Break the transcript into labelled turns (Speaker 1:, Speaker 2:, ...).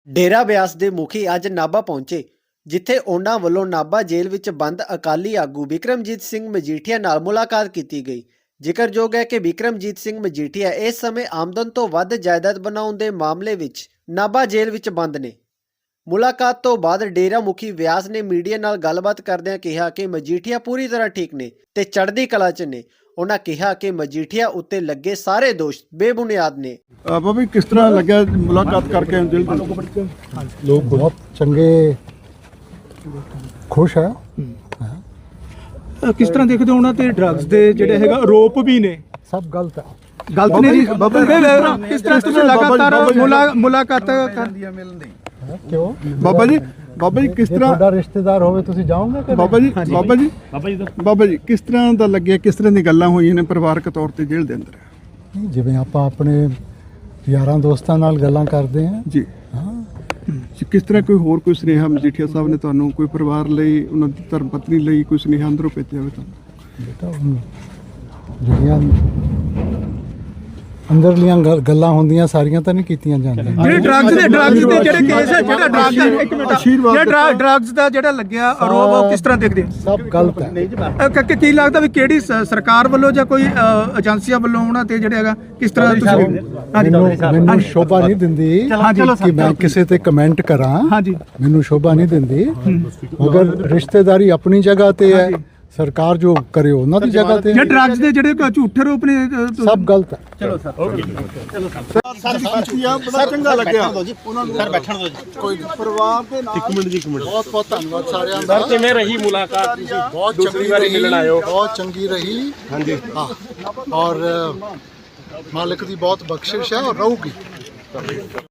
Speaker 1: ਡੇਰਾ ਬਿਆਸ ਦੇ ਮੁਖੀ ਅੱਜ ਨਾਭਾ ਪਹੁੰਚੇ, ਜਿੱਥੇ ਉਹਨਾਂ ਵੱਲੋਂ ਨਾਭਾ ਜੇਲ੍ਹ ਵਿੱਚ ਬੰਦ ਅਕਾਲੀ ਆਗੂ ਬਿਕਰਮਜੀਤ ਸਿੰਘ ਮਜੀਠੀਆ ਨਾਲ ਮੁਲਾਕਾਤ ਕੀਤੀ ਗਈ। ਜ਼ਿਕਰਯੋਗ ਹੈ ਕਿ ਬਿਕਰਮਜੀਤ ਸਿੰਘ ਮਜੀਠੀਆ ਇਸ ਸਮੇਂ ਆਮਦਨ ਤੋਂ ਵੱਧ ਜਾਇਦਾਦ ਬਣਾਉਣ ਦੇ ਮਾਮਲੇ ਵਿੱਚ ਨਾਭਾ ਜੇਲ੍ਹ ਵਿੱਚ ਬੰਦ ਨੇ। ਮੁਲਾਕਾਤ ਤੋਂ ਬਾਅਦ ਡੇਰਾ ਮੁਖੀ ਬਿਆਸ ਨੇ ਮੀਡੀਆ ਨਾਲ ਗੱਲਬਾਤ ਕਰਦਿਆਂ ਕਿਹਾ ਕਿ ਮਜੀਠੀਆ ਪੂਰੀ ਤਰ੍ਹਾਂ ਠੀਕ ਨੇ ਤੇ ਚੜ੍ਹਦੀ ਕਲਾ 'ਚ ਨੇ। ਉਹਨਾਂ ਕਿਹਾ ਕਿ ਮਜੀਠੀਆ ਉੱਤੇ ਲੱਗੇ ਸਾਰੇ ਦੋਸ਼ ਬੇਬੁਨਿਆਦ ਨੇ।
Speaker 2: ਬਾਬਾ ਕਿਸ ਤਰ੍ਹਾਂ ਲੱਗਿਆ ਮੁਲਾਕਾਤ ਕਰਕੇ?
Speaker 3: लोग बहुत चंगे खुश है।
Speaker 4: किस तरह देखते हो ਉਹਨਾਂ ਤੇ ਡਰੱਗਸ ਦੇ ਜਿਹੜੇ ਹੈਗਾ ਆਰੋਪ ਵੀ ਨੇ?
Speaker 3: सब गलत है।
Speaker 4: ਗਲਤ ਨੇ ਜੀ। ਕਿਸ ਤਰ੍ਹਾਂ ਤੁਸੀਂ ਲਗਾਤਾਰ ਮੁਲਾਕਾਤ
Speaker 3: क्यों
Speaker 2: ਬਾਬਾ ਜੀ ਕਿਸ
Speaker 3: ਜੇ
Speaker 2: ਤਰ੍ਹਾਂ
Speaker 3: ਤੁਹਾਡਾ ਰਿਸ਼ਤੇਦਾਰ ਹੋਵੇ ਤੁਸੀਂ ਜਾਓਗੇ ਕਿ
Speaker 2: ਬਾਬਾ ਜੀ ਕਿਸ ਤਰ੍ਹਾਂ ਦਾ ਲੱਗਿਆ? ਕਿਸ ਤਰ੍ਹਾਂ ਦੀ ਗੱਲਾਂ ਹੋਈਆਂ ਨੇ ਪਰਿਵਾਰਕ ਤੌਰ ਤੇ ਜੇਲ੍ਹ ਦੇ ਅੰਦਰ?
Speaker 3: ਨਹੀਂ, ਜਿਵੇਂ ਆਪਾਂ ਆਪਣੇ ਯਾਰਾਂ ਦੋਸਤਾਂ ਨਾਲ ਗੱਲਾਂ ਕਰਦੇ ਹਾਂ
Speaker 2: ਜੀ
Speaker 3: ਹਾਂ।
Speaker 2: ਕਿਸ ਤਰ੍ਹਾਂ ਕੋਈ ਹੋਰ ਸੁਨੇਹਾ ਮਜੀਠੀਆ ਸਾਹਿਬ ਨੇ ਤੁਹਾਨੂੰ ਕੋਈ ਪਰਿਵਾਰ ਲਈ, ਉਹਨਾਂ ਦੀ ਧਰਮ ਪਤਨੀ ਲਈ ਕੋਈ ਸੁਨੇਹਾ ਅੰਦਰੋਂ ਭੇਜਿਆ ਹੋਵੇ ਤੁਹਾਨੂੰ?
Speaker 3: ਬੇਟਾ ਜਿਹੜੀਆਂ ਅੰਦਰਲੀਆਂ ਗੱਲਾਂ ਹੁੰਦੀਆਂ ਸਾਰੀਆਂ ਤਾਂ ਨਹੀਂ ਕੀਤੀਆਂ ਜਾਂਦੀਆਂ।
Speaker 4: ਜਿਹੜੇ ਡਰੱਗਸ ਦੇ ਜਿਹੜੇ ਕੇਸ ਹੈ, ਜਿਹੜਾ ਡਰੱਗਸ ਦਾ ਜਿਹੜਾ ਲੱਗਿਆ ਆਰੋਪ, ਉਹ ਕਿਸ ਤਰ੍ਹਾਂ ਦੇਖਦੇ?
Speaker 3: ਸਭ ਗਲਤ ਹੈ।
Speaker 4: ਕੀ ਲੱਗਦਾ ਵੀ ਕਿਹੜੀ ਸਰਕਾਰ ਵੱਲੋਂ ਜਾਂ ਕੋਈ ਏਜੰਸੀਆਂ ਵੱਲੋਂ ਉਹਨਾਂ ਤੇ ਜਿਹੜਾ ਹੈਗਾ ਕਿਸ ਤਰ੍ਹਾਂ ਤੁਸੀਂ?
Speaker 3: ਮੈਨੂੰ ਸ਼ੋਭਾ ਨਹੀਂ ਦਿੰਦੀ ਕਿ ਮੈਂ ਕਿਸੇ ਤੇ ਕਮੈਂਟ ਕਰਾਂ।
Speaker 4: ਹਾਂਜੀ,
Speaker 3: ਮੈਨੂੰ ਸ਼ੋਭਾ ਨਹੀਂ ਦਿੰਦੀ। ਮਗਰ ਰਿਸ਼ਤੇਦਾਰੀ ਆਪਣੀ ਜਗ੍ਹਾ ਤੇ ਹੈ, ਸਰਕਾਰ ਜੋ ਕਰੇ ਉਹਨਾਂ ਦੀ ਜਗ੍ਹਾ ਤੇ।
Speaker 4: ਜੇ ਡਰੱਗਸ ਦੇ ਜਿਹੜੇ ਝੂਠੇ ਰੂਪ ਨੇ
Speaker 3: ਸਭ ਗਲਤ ਹੈ।
Speaker 2: ਚਲੋ ਬੜਾ ਚੰਗਾ ਲੱਗਿਆ ਉਹਨਾਂ ਨੂੰ। ਸਰ ਬੈਠਣ ਦਿਓ ਜੀ। ਕੋਈ ਪਰਿਵਾਰ ਦੇ ਨਾਲ ਇੱਕ ਮਿੰਟ ਬਹੁਤ ਬਹੁਤ ਧੰਨਵਾਦ ਸਾਰਿਆਂ ਦਾ।
Speaker 5: ਸਰ ਕਿਵੇਂ ਰਹੀ ਮੁਲਾਕਾਤ?
Speaker 3: ਬਹੁਤ ਚੰਗੀ ਵਾਰੀ ਮਿਲਣ ਆਇਓ। ਬਹੁਤ ਚੰਗੀ ਰਹੀ। ਹਾਂਜੀ ਹਾਂ, ਔਰ ਮਾਲਕ ਦੀ ਬਹੁਤ ਬਖਸ਼ਿਸ਼ ਹੈ ਔਰ ਰਹੂਗੀ।